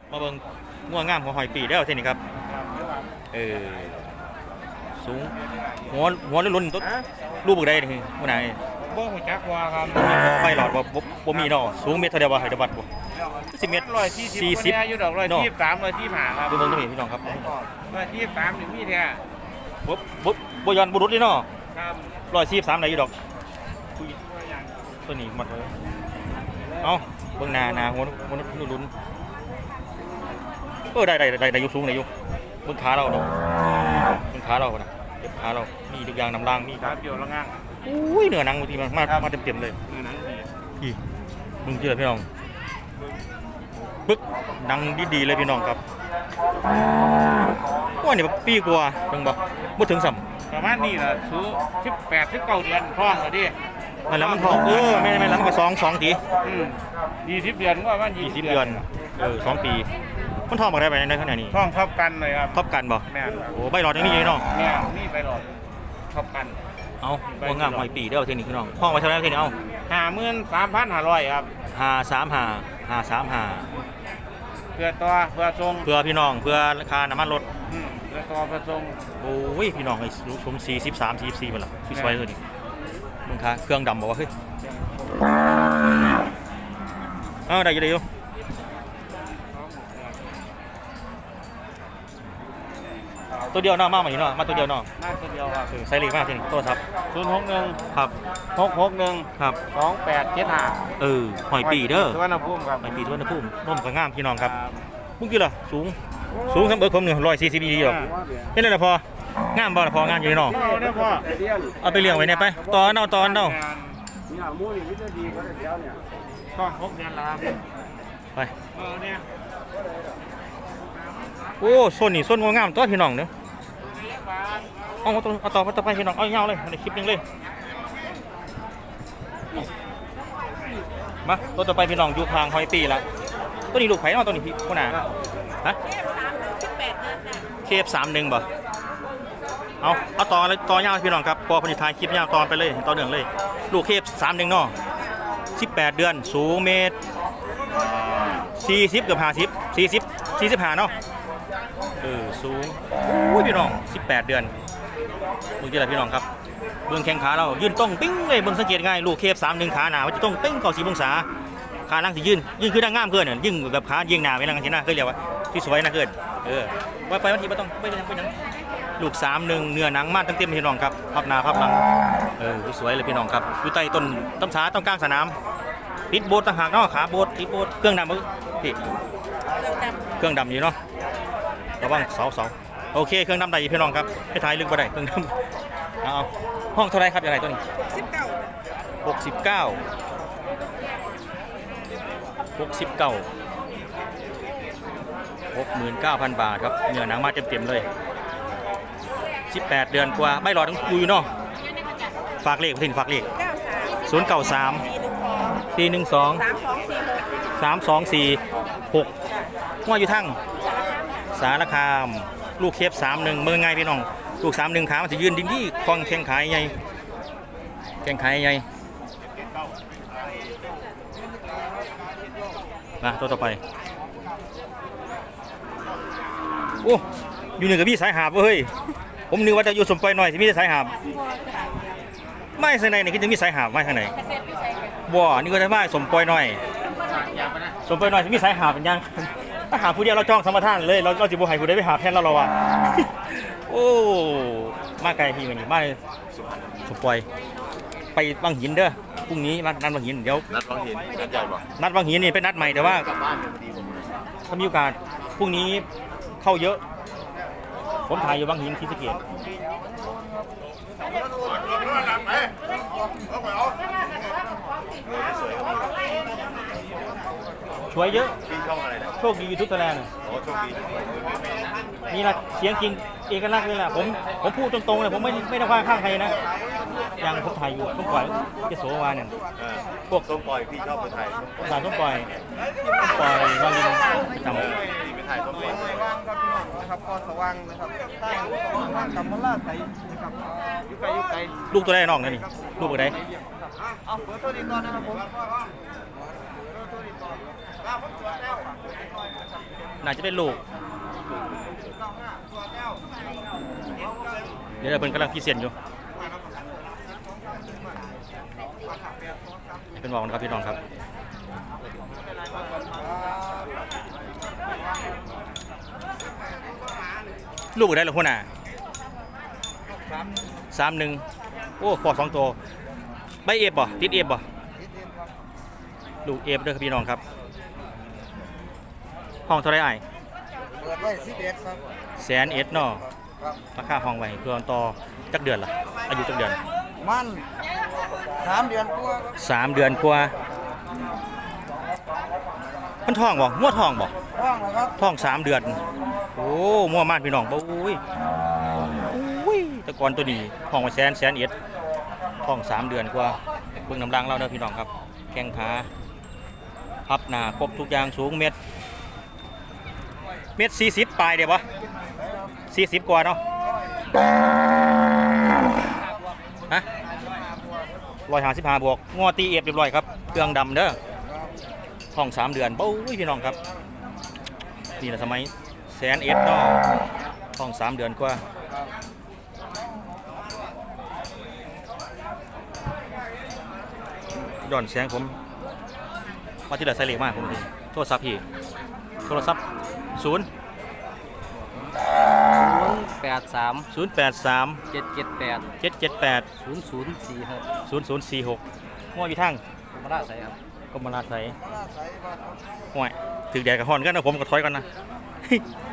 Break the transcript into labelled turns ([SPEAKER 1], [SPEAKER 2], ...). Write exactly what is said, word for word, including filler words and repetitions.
[SPEAKER 1] มาเบิ่งง่วงงามของหอยปีแล้วเท่านี้ครับเออสูงหัวหัวลุ่นๆตัวรูปบุกได้นี่ผู้ไหน
[SPEAKER 2] บ่หัวจักว่าครับ
[SPEAKER 1] ไปหลอดบ่บ่มีเนาะสูงเมตรเท่าเดียวบ่ไฮเดรบัตบ่สิบเมตร
[SPEAKER 2] ร้อยสี่สิบอยู่ดอกร้อยสี่สิบสามร้อยสี่สิบห้าครับ
[SPEAKER 1] ดูเบิ่งตรงนี้พี่น้องครับ
[SPEAKER 2] ร้อยสี่สิบสามนี่มีแท้
[SPEAKER 1] บ่บ่บ่ย้อนบ่รุดเลยเนาะ
[SPEAKER 2] ครับ
[SPEAKER 1] ร้อยสี่สิบสามได้อยู่ดอกตัวนี้หมดเลยเอ้าเบิ่งหน้าหน้าหัวหัวลุ่นๆเออได้ได้ได้ได้อยู่สูงได้อยู่เบิ่งขาเราเนาะเบิ่งขาเราน่ะเก็บขาเรามีทุกอย่างน้ำล่างมี
[SPEAKER 2] ครับเกี่ยวละง่าง
[SPEAKER 1] อุ้ยเนื้อหนังบางทีมันมามาเต็มๆเลย
[SPEAKER 2] เนื้อหนังดี
[SPEAKER 1] พี่มึงเจอพี่น้องปึ๊กหนังดีๆเลยพี่น้องครับว่านี่ปีกว่าเพิ่งบอกบ่ถึงสัม
[SPEAKER 2] ประมาณนี้ล่ะซื้อสิบแปด สิบเก้าเดือนท้องแล้วดิ
[SPEAKER 1] นั่นแหละมันท้องเออไม่ไม่แล้วมันก็สอง สองที
[SPEAKER 2] อืมยี่สิบเดือนก็ประมาณ
[SPEAKER 1] ยี่สิบเดือนเออสองปีมันท้องบ่ได้ไปในขณะนี้
[SPEAKER 2] ท้องทับกันเลยครับ
[SPEAKER 1] ทับกันบ่
[SPEAKER 2] แม่น
[SPEAKER 1] โอ้ใบหลอดยังมีอยู่เนาะ
[SPEAKER 2] แม่นมีใบหลอดทับกัน
[SPEAKER 1] เอาบ่งามหอยปีเด้อเทคนิคพี่น้องห้องไว้เท่าไหร่เทคนิคเอา
[SPEAKER 2] ห้าหมื่นสามพันห้าร้อย ครับ
[SPEAKER 1] ห้าสามห้า ห้าสามห้า
[SPEAKER 2] เพื่อตัวเพื่อทรง
[SPEAKER 1] เพื่อพี่น้องเพื่อราคาน้ำมันรถ
[SPEAKER 2] อืมเพื่อตัวเพื่อทรง
[SPEAKER 1] โอ้ยพี่น้องไอ้รู้ชมสี่สิบสาม สี่สิบสี่มันล่ะสวยๆเลยนี่มึงคะเครื่องดำบอกว่าเฮ้ยเอาได้อยู่ได้อยู่ตัวเดียวเนาะมาใหม่เนาะมาตัวเดียวเนาะ
[SPEAKER 2] มาตัวเดียวครับ
[SPEAKER 1] ใส่เลขมากที่นี่โทรศัพท์
[SPEAKER 2] ศูนย์หกหนึ่ง
[SPEAKER 1] ครับ
[SPEAKER 2] หกหกหนึ่ง
[SPEAKER 1] ครับ
[SPEAKER 2] สองแปดเจ็ดห้า
[SPEAKER 1] เออหอยปีเด้อ
[SPEAKER 2] สุวรรณภูมิครับ
[SPEAKER 1] หอยปีสุวรรณภูมิร่มกับงามพี่น้องครับมึงกี่ล่ะสูงสูงทั้งเบิกผมหนึ่งร้อยสี่สิบยี่หรอกเห็นแล้วพองามบ่ละพองามอยู่เนาะเอาไปเลี้ยงไว้เนี่ยไปตอนเอาตอนเอา
[SPEAKER 2] ก็หกเดือนแล้วครับ
[SPEAKER 1] ไป
[SPEAKER 2] เออเนี่ย
[SPEAKER 1] โอ้ส้นนี่ส้นงามตัวพี่น้องเนาะเอาต่อเอาต่อต่อไปพี่น้องเอาเงาเลยในคลิปนึงเลยมาตัวต่อไปพี่น้องอยู่ทางหอยปีละตัวนี้ลูกไผ่เนาะตัวนี้พี่คนหนาฮะเคฟสามหนึ่งบ่เอาเอาต่อเลยต่อยาวพี่น้องครับพอผลิตทายคลิปยาวตอนไปเลยต่อเนื่องเลยลูกเคฟสามหนึ่งเนาะสิบแปดเดือนสูงเมตรสี่สิบเกือบห้าสิบสี่สิบสี่สิบห้าเนาะเออสูงอุ้ยพี่น้องสิบแปดเดือนมึงจะอะไรพี่น้องครับเบื้องแข้งขาเรายืนตรงปิ้งเลยเบื้องสังเกตง่ายลูกเคฟสามหนึ่งขาหนาว่าจะต้องปิ้งเก้าสิบองศาขาล่างสิยืนยืนคือดังงามเกินเนี่ยยิ่งแบบขายิงหนาไปนั่งที่หน้าเคยเรียกว่าที่สวยนะเกินเออไปไปวันทีไม่ต้องไปยังไปยังลูกสามหนึ่งเนื้อหนังมากตั้งเต็มพี่น้องครับพับหน้าพับหลังเออสวยเลยพี่น้องครับอยู่ใต้ต้นต้นช้าต้นกลางสนามติดโบสต่างหากเนาะขาโบสติดโบสเครื่องดำมือพี่เครื่องดำอยู่เนาะระวังเสาเสาโอเคเครื่องดำได้พี่น้องครับให้ทายลึกบ่ได้เครื่องดำเอาห้องเท่าไรครับอย่างไรตัวนี้หกสิบเก้าหกสิบเก้าหกหมื่นเก้าพันบาทครับเนื้อหนังมาเต็มๆเลยสิบแปดเดือนกว่าใบหลอดต้องอยู่เนาะฝากเลขทิ้งฝากเลขศูนย์เก้าสามสี่หนึ่งสองสามสองสี่หกว่าอยู่ทั้งสารคามลูกเคฟสามหนึ่งเมืองไงพี่น้องลูกสามหนึ่งขามันจะยืนดิ้งที่คลองแข่งขายใหญ่แข่งขายใหญ่มาตัวต่อไปโอ้อยู่หนึ่งกับพี่สายหาบเฮ้ยผมนึกว่าจะอยู่สมปล่อยหน่อยสิมีแต่สายหาบไม่ข้างในนี่คือจะมีสายหาบไม่ข้างในบ่นี่ก็จะไม่สมปล่อยหน่อยสมปล่อยหน่อยสิมีสายหาบเป็นยังถ้าหาผู้เดียวเราจ้องสมรทานเลยเราเราจะบุหายผู้ใดไปหาแทนเราเราอ่ะโอ้มาไกลพี่มันนี่มาสมปล่อยไปบางหินเด้อพรุ่งนี้นัดนัดบางหินเดี๋ยว
[SPEAKER 3] นัดบางหินนัดใหญ่ป่ะ
[SPEAKER 1] นัดบางหินนี่เป็นนัดใหม่แต่ว่าถ้ามีโอกาสพรุ่งนี้เข้าเยอะผมถ่ายอยู่บางหินที่สะเกษช่วยเยอะโชคดียูทูบไทยแลนด์นี่นะเสียงจริงเอกลักษณ์เลยแหละผมผมพูดตรงๆเลยผมไม่ไม่ได้ว่าข้างใครนะอย่างผมถ่ายอยู่ต้องปล่อยเจโสวาเนี่ย
[SPEAKER 3] พวกต้องปล่อยพี่ชอบไปถ่าย
[SPEAKER 1] ถ่ายต้องปล่อยต้องปล่อยวางดินจำ
[SPEAKER 3] ที่ไปถ่ายต้องปล่อย
[SPEAKER 2] นะครับก็สว่างนะครับตั้งกำมะลาใสนะครับยุไกยุไก
[SPEAKER 1] ลูกตัวแรกน้องนี่ลูกตัวไหน
[SPEAKER 2] เอาเปิดตัวนี้ก่อนนะครับผม
[SPEAKER 1] น่าจะได้ลูกเดี๋ยวเพิ่นกำลังพิเศษอยู่ให้เป็นบอกนะครับพี่น้องครับลูกได้หรือคนน่ะสามหนึ่งโอ้พอสองตัวใบเอฟบ่ติดเอฟบ่ลูกเอฟเด้อครับพี่น้องครับห้องเท่าไรไอ้
[SPEAKER 2] เปิดไว้สิบเอ็ดครับ
[SPEAKER 1] แสนเอ็ดเนาะ
[SPEAKER 2] ครับ
[SPEAKER 1] ราคาห้องไว้เพื่อต่อจักเดือนล่ะอายุจักเดือน
[SPEAKER 2] มันสามเดือนกว่าครับ
[SPEAKER 1] สามเดือนกว่ามันท้องบ่มั่วท้องบ่
[SPEAKER 2] ว่างแล้วครับ
[SPEAKER 1] ท้องสามเดือนโอ้มั่วมากพี่น้องบ่อุ้ยอุ้ยแตะกอนตัวนี้ห้องไว้แสนแสนเอ็ดท้องสามเดือนกว่าเบิ่งน้ำรังเราเด้อพี่น้องครับแข้งขาพับหน้าครบทุกอย่างสูงเม็ดเม็ดสี่สิบปลายเดี๋ยวบ่สี่สิบกว่าเนาะฮะร้อยห้าสิบห้าบวกงอตีเอฟเรียบร้อยครับเครื่องดำเด้อท้องสามเดือนเบ้าพี่น้องครับนี่แหละสมัยแสนเอ็ดเนาะท้องสามเดือนกว่าย้อนแสงผมมาที่เดือดใส่เหล็กมากผมพี่โทรศัพท์พี่โทรศัพท์ศูนย์
[SPEAKER 4] ศูนย์แปดสาม
[SPEAKER 1] ศูนย์แปดสาม
[SPEAKER 4] เจ็ดเจ็ดแปด
[SPEAKER 1] เจ็ดเจ็ดแปด
[SPEAKER 4] ศูนย์ศูนย์สี่หก
[SPEAKER 1] ศูนย์ศูนย์สี่หกห้วยอยู่ทาง
[SPEAKER 4] ธรรมราชใส่ครับ
[SPEAKER 1] กรมราชไสย
[SPEAKER 2] มาลาใส่บ้านครับ
[SPEAKER 1] ห้วยถึงแดดกับฮ้อนกันนะผมก็ถอยกันนะ